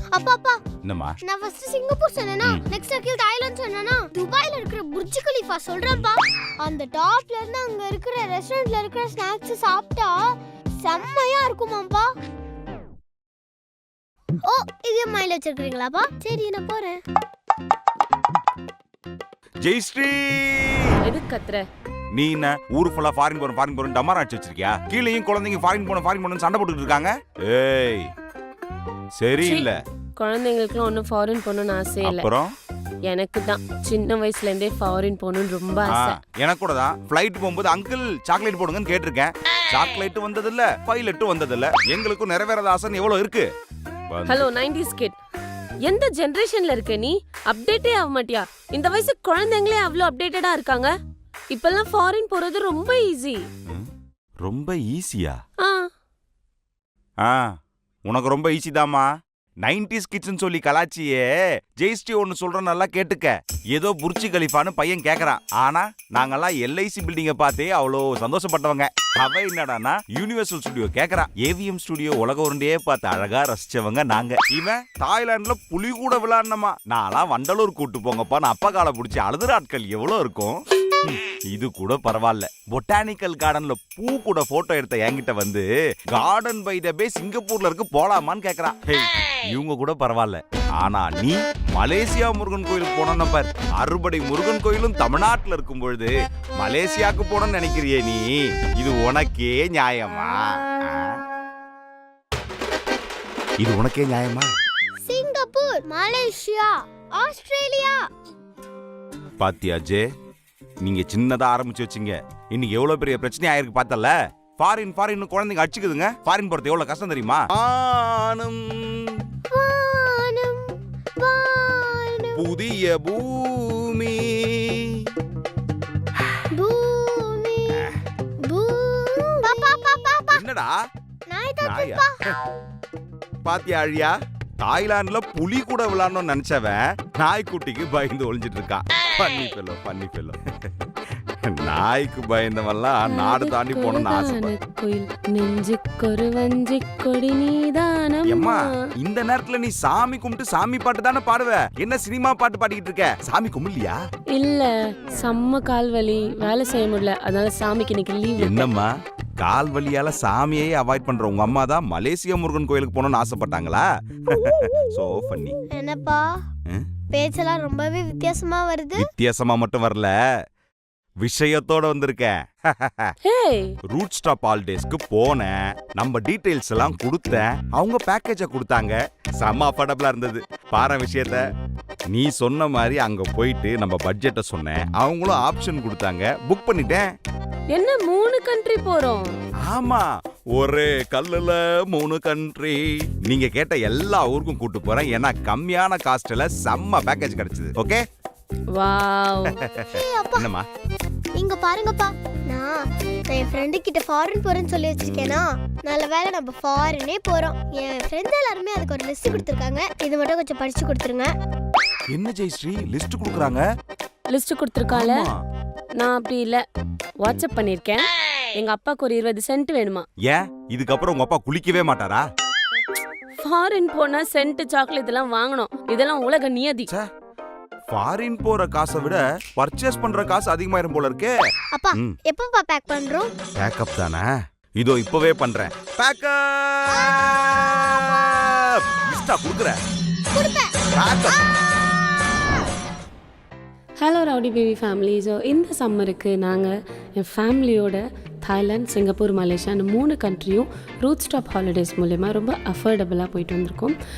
அப்பா அப்பா என்னம்மா? நான் ஃபர்ஸ்ட் சிங்கப்பூர் சொன்னேனா, நெக்ஸ்ட் அகில் தாய்லாந்து சொன்னேனா, துபாயில இருக்கிற புர்ஜ் கலிஃபா சொல்றேன்ப்பா. அந்த டாப்ல இருந்து அங்க இருக்கிற ரெஸ்டாரன்ட்ல இருக்கிற ஸ்நாக்ஸ் சாப்பிட்டா செம்மையா இருக்குமாம்பா. ஓ, இது மைல வச்சிருக்கீங்களாப்பா? சரி நான் போறேன். ஜெயஸ்ரீ, எதுக்கு கத்துற? நீ என்ன ஊரு ஃபுல்லா ஃபாரின் போறோம் டமாரா அடிச்சு வச்சிருக்கியா? கீழேயும் குழந்தைங்க ஃபாரின் போறோம் சண்டை போட்டுட்டு இருக்காங்க. ஏய் சரியில்லை. குழந்தைங்களுக்குலாம் ஒன்றும் ஃபாரின் போகணும்னு ஆசை இல்லை. அப்புறம் எனக்கு தான் சின்ன வயசுல இருந்தே ஃபாரின் போகணும்னு ரொம்ப ஆசை. எனக்கு கூட தான். ஃப்ளைட் போகும்போது அங்கிள் சாக்லேட் போடுங்கன்னு கேட்டிருக்கேன். சாக்லேட் வந்ததில்ல, பைலட்டும் வந்ததில்ல. எங்களுக்கும் நிறைவேறாத ஆசை எவ்வளவு இருக்கு. ஹலோ 90s கிட், எந்த ஜெனரேஷன்ல இருக்க நீ? அப்டேட்டே ஆக மாட்டியா? இந்த வயசு குழந்தைங்களே அவ்வளோ அப்டேட்டடா இருக்காங்க. இப்பெல்லாம் ஃபாரின் போறது ரொம்ப ஈஸி. ரொம்ப ஈஸியா? உனக்கு ரொம்ப ஈஸி தாமா. 90s கிட்ஸ்னு சொல்லி கலாச்சியே. ஜெயஸ்ரீ ஒன்னு சொல்ற நல்லா கேட்டுக்க. ஏதோ புர்ஜ் கலிஃபான்னு பையன் கேக்குறான். ஆனா நாங்கெல்லாம் எல்ஐசி பில்டிங்க பார்த்தே அவ்வளோ சந்தோஷப்பட்டவங்க. அவ என்னடானா யூனிவர்சல் ஸ்டுடியோ கேக்குறான். ஏவிஎம் ஸ்டுடியோ உலக உருண்டையே பார்த்து அழகா ரசிச்சவங்க நாங்க. இவன் தாய்லாந்துல புலி கூட விளையாடணுமா. நான்லாம் வண்டலூர் கூட்டு போங்கப்பா, நான் அப்பா காலை பிடிச்சி அழுதுற ஆட்கள் எவ்வளவு இருக்கும். இது கூட பரவாயில்ல. பொட்டானிக்கல் கார்டன்ல பூ கூட போட்டோ எடுத்த என்கிட்ட வந்து கார்டன் பை த பே சிங்கப்பூர்ல இருக்கு போலாமான்னு கேக்குறான். இவங்க கூட பரவாயில்ல. ஆனா நீ மலேசியா முருகன் கோயிலுக்கு போன பார். அறுபடை முருகன் கோயிலும் தமிழ்நாட்டுல இருக்கும் பொழுது மலேசியாவுக்கு போனோம்னு நினைக்கிறியே நீ? இது உனக்கே நியாயமா? இது உனக்கே நியாயமா? Singapore, Malaysia, Australia. பாத்தியா ஜே, நீங்க சின்னதா ஆரம்பிச்சு வச்சீங்க. இன்னைக்கு எவ்வளவு பெரிய பிரச்சனை ஆயிருக்கு பார்த்தல. ஃபாரின் குழந்தைங்க அடிச்சுக்குதுங்க. ஃபாரின் போறது எவ்வளவு கஷ்டம் தெரியுமா? புதிய பூமி என்னடா பாத்தியா அழியா? தாய்லாந்துல புலி கூட விளையாடணும்னு நினைச்சவன் நாய்க்குட்டிக்கு பயந்து ஒளிஞ்சிட்டு இருக்கான். பண்ணி பெல்லோ நாய்க்கு பயந்தவெல்லாம் நாடு தாண்டி போகணும்னு ஆசை. இந்த நேரத்துல நீ சாமி கும்பிட்டு சாமி பாட்டு தானே பாடுவ. என்ன சினிமா பாட்டு பாடிக்கிட்டு இருக்க? சாமி கும்பிடலையா? இல்ல, செம்ம கால் வலி, வேலை செய்ய முடியல, அதனால சாமிக்கு இன்னைக்கு லீவ். என்னம்மா கால் வலியால சாமியே அவாய்ட் பண்ற உங்க அம்மா தான் மலேசியா முருகன் கோயிலுக்கு போகணும்னு ஆசைப்பட்டாங்களா? So funny. என்னப்பா பேச்செல்லாம் ரொம்பவே வித்தியாசமா வருது. வித்தியாசமா மட்டும் வரல, விஷயத்தோட வந்திருக்கேன். ரூட் ஸ்டாப் ஹாலிடேஸ்க்கு போனேன். நம்ம டீடைல்ஸ் எல்லாம் கொடுத்தேன். அவங்க பேக்கேஜ கொடுத்தாங்க. செம்ம அஃபோர்டபிளா இருந்தது. பாரு விஷயத்த. நீ சொன்ன மாதிரி அங்க போயிட்டு நம்ம பட்ஜெட்டை சொன்னேன். அவங்களும் ஆப்ஷன் கொடுத்தாங்க. புக் பண்ணிட்டேன். என்ன 3 கண்ட்ரி போறோம்? ஆமா, ஒரே கல்லுல 3 கண்ட்ரி. நீங்க கேட்ட எல்லா ஊருக்கும் கூட்டு போறேன். ஏன்னா கம்மியான காஸ்ட்ல செம்ம பேக்கேஜ் கிடைச்சது. ஓகே? வாவ். என்னம்மா இங்க பாருங்கப்பா, நான் என் ஃப்ரெண்டு கிட்ட ஃபாரின் போறேன்னு சொல்லி வச்சிருக்கேனா. நல்ல வேளை நம்ம ஃபாரினே போறோம். என் ஃப்ரெண்ட்ஸ் எல்லாருமே அதுக்கு ஒரு லிஸ்ட் கொடுத்துருக்காங்க. இது மட்டும் கொஞ்சம் படிச்சு கொடுத்துருங்க. என்ன ஜெயஸ்ரீ லிஸ்ட் கொடுக்குறாங்க? லிஸ்ட் கொடுத்துருக்கால? நான் அப்படி இல்ல, வாட்ஸ்அப் பண்ணிருக்கேன். எங்க அப்பாக்கு ஒரு 20 சென்ட் வேணுமா. ஏன் இதுக்கப்புறம் உங்க அப்பா குளிக்கவே மாட்டாரா? ஃபாரின் போனா சென்ட் சாக்லேட் எல்லாம் வாங்கணும். இதெல்லாம் உலக நியதி. ஃபாரின் போற காசை விட பர்ச்சேஸ் பண்ற காசு அதிகமாயிரும் போல இருக்கே. அப்பா எப்பப்பா பேக் பண்றோம்? பேக்கப் தானே, இதோ இப்பவே பண்றேன். பேக்கப் லிஸ்டா குடுக்குறேன். Backup. Hello rowdy baby family. So இந்த சம்மருக்கு நாங்கள் என் ஃபேமிலியோட தாய்லாந்து, சிங்கப்பூர், மலேசியா 3 கண்ட்ரியும் ரூட் ஸ்டாப் ஹாலிடேஸ் மூலமா ரொம்ப அஃபோர்டபுளாக போயிட்டு வந்திருக்கோம்.